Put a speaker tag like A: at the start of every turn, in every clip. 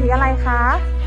A: อะไรคะ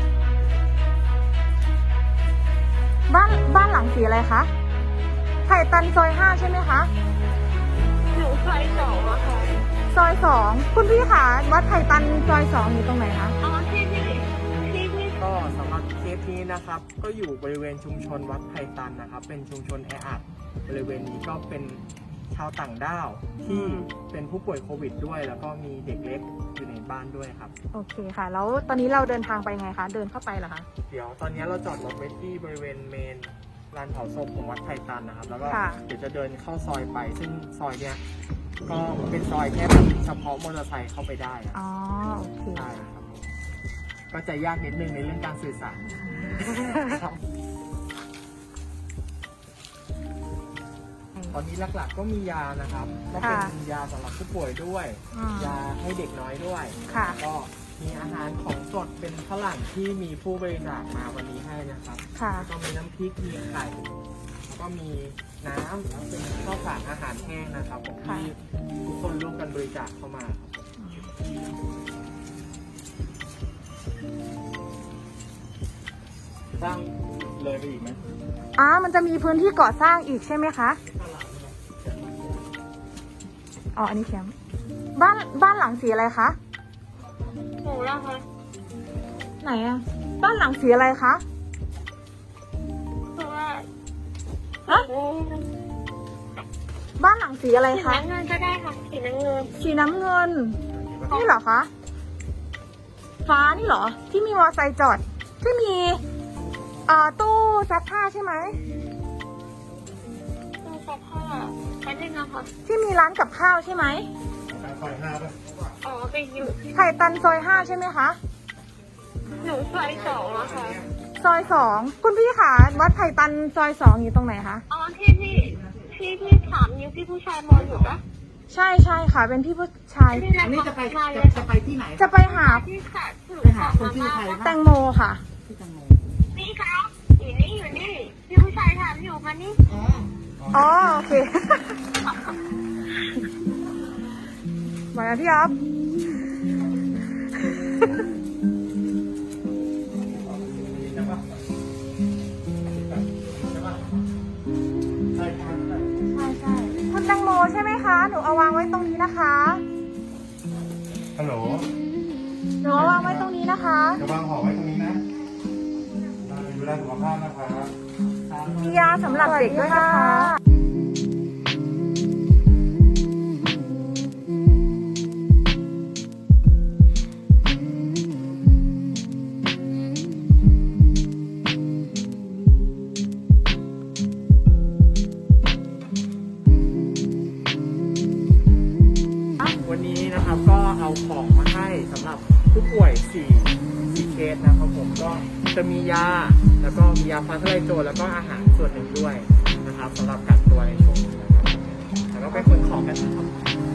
A: บ้านหลังสีอะไรคะไผ่ตันซอย5ใช่ไหมคะ
B: อยู่ซอย2อะค่ะ
A: ซอย2คุณพี่คะวัดไผ่ตันซอย2อยู่ตรงไหนคะ
B: อ๋อที่
C: ก็สำหรับเคสนี้นะครับก็อยู่บริเวณชุมชนวัดไผ่ตันนะครับเป็นชุมชนแออัดบริเวณนี้ก็เป็นชาวต่างด้าวที่เป็นผู้ป่วยโควิดด้วยแล้วก็มีเด็กเล็กอยู่ในบ้านด้วยครับ
A: โอเคค่ะแล้วตอนนี้เราเดินทางไปไงคะเดินเข้าไปเหรอคะ
C: เดี๋ยวตอนนี้เราจอดรถไว้ที่บริเวณเมนลานเผาศพของวัดไผ่ตันนะครับแล้วก็เดี๋ยวจะเดินเข้าซอยไปซึ่งซอยเนี้ยก็เป็นซอยแค่เฉพาะมอเตอร์ไซค์เข้าไปได้ครับ
A: อ๋อโอเค
C: ใช่ครับก็จะยากนิดนึงในเรื่องการสื่อสารตอนนี้หลักๆก็มียานะครับก็เป็นยาสำหรับผู้ป่วยด้วยยาให้เด็กน้อยด้วยก็มีอาหารของสดเป็นฝรั่งที่มีผู้บริจาคมาวันนี้ให้นะครับก็มีน้ำพริกมีไข่แล้วก็มีน้ำแล้วเป็นข้าวสารอาหารแห้งนะครับที่ทุกคนร่วมกันบริจาคเข้ามาครับสร้างเลยไปอีกไหม
A: มันจะมีพื้นที่ก่อสร้างอีกใช่ไหมคะอ๋ออันนี้แคมป์บ้านหลังสีอะไรคะ
B: หนูแล้วคะ
A: ไหนอะบ้านหลังสีอะไรคะ
B: คือว่า
A: บ้านหลังสีอะไร
B: สี
A: คะ
B: น้ำเงินก็ได้ค่ะสีน้ำเงิน
A: สีน้ำเงินนี่เหรอคะฟ้านี่เหรอที่มีมอเตอร์ไซค์จอดที่มีตู้ซักผ้าใช่ไหม
B: ตู้ซักผ้าแป๊บนึงนะคะ
A: ที่มีร้านกับข้าวใช่ไหม
C: ซอย5ป่ะ
B: อ๋อไปอยู่
A: ไผ่ตันซอย5ใช่ไหมคะ
B: หนูซอย2อะค่ะ
A: ซอย2คุณพี่คะวัดไผ่ตันซอย2อยู่ตรงไหนคะ
B: อ๋อที่ถามอยู่ที่ผู้ชายมองอยู่ปะ
A: ใช่ค่ะเป็นพี่ผู้ชาย
C: อันนี้จะไปที่ไหน
A: จะไปหา
B: คนชื่อใคร
A: แตงโมค่ะ
B: นี่ครับอยู่นี่พี่ผู้ชายถามอยู่มานี่
A: อ๋อโอเคมาแล้วพี่อ๊อฟใช่คุณแตงโมใช่ไหมคะหนูเอาวางไว้ตรงนี้นะคะ
C: ฮัลโหล
A: หนูเอาวางไว้ตรงนี้นะคะ
C: จะวางห่อไว้ตรงนี้นะดูแลสุขภาพนะคะ
A: มียาสำหรับเด็กด้วยนะคะ
C: วันนี้นะครับก็เอาของมาให้สำหรับผู้ป่วย4เคสนะครับผมก็จะมียาแล้วก็มียาฟ้าทะลายโจรแล้วก็อาหารส่วนหนึ่งด้วยนะครับสำหรับกักตัวในช่วงนี้นะครับแล้วก็ไปขนของกันนะครับ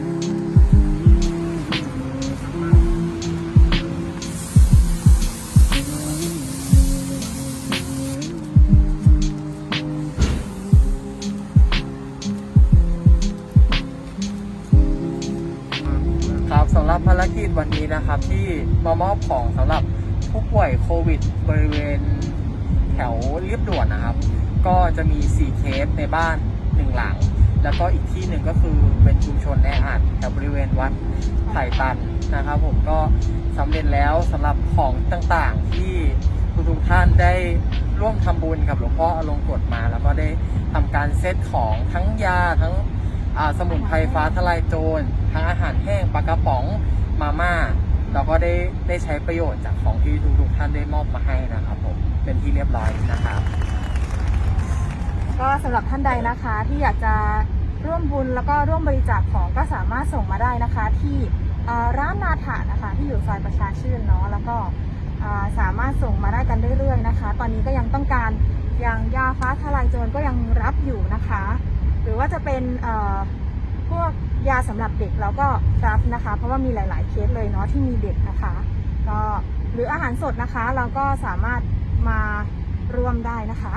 C: สำหรับภารกิจวันนี้นะครับที่มามอบของสำหรับผู้ป่วยโควิดบริเวณแถวเรียบด่วนนะครับก็จะมี4เคสในบ้าน1หลังแล้วก็อีกที่หนึ่งก็คือเป็นชุมชนแออัดแถวบริเวณวัดไผ่ตันนะครับผมก็สำเร็จแล้วสำหรับของต่างๆที่ทุกท่านได้ร่วมทำบุญกับหลวงพ่ออลงกฎมาแล้วก็ได้ทำการเซตของทั้งยาทั้งสมุนไพรฟ้าทะลายโจรทั้งอาหารแห้งปลากระป๋องมาม่าเราก็ได้ใช้ประโยชน์จากของที่ทุกท่านได้มอบมาให้นะครับผมเป็นที่เรียบร้อยนะครับ
A: ก็สำหรับท่านใดนะคะที่อยากจะร่วมบุญแล้วก็ร่วมบริจาคของก็สามารถส่งมาได้นะคะที่ร้านนาถานะคะที่อยู่ซอยประชาชื่นเนาะแล้วก็สามารถส่งมาได้กันเรื่อยๆนะคะตอนนี้ก็ยังต้องการอย่างยาฟ้าทะลายโจรก็ยังรับอยู่นะคะหรือว่าจะเป็นพวกยาสำหรับเด็กเราก็รับนะคะเพราะว่ามีหลายๆเคสเลยเนาะที่มีเด็กนะคะก็หรืออาหารสดนะคะเราก็สามารถมาร่วมได้นะคะ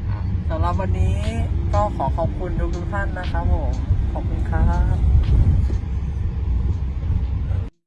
C: สำหรับวันนี้ก็ขอขอบคุณทุกท่านนะครับผมขอบคุณครับ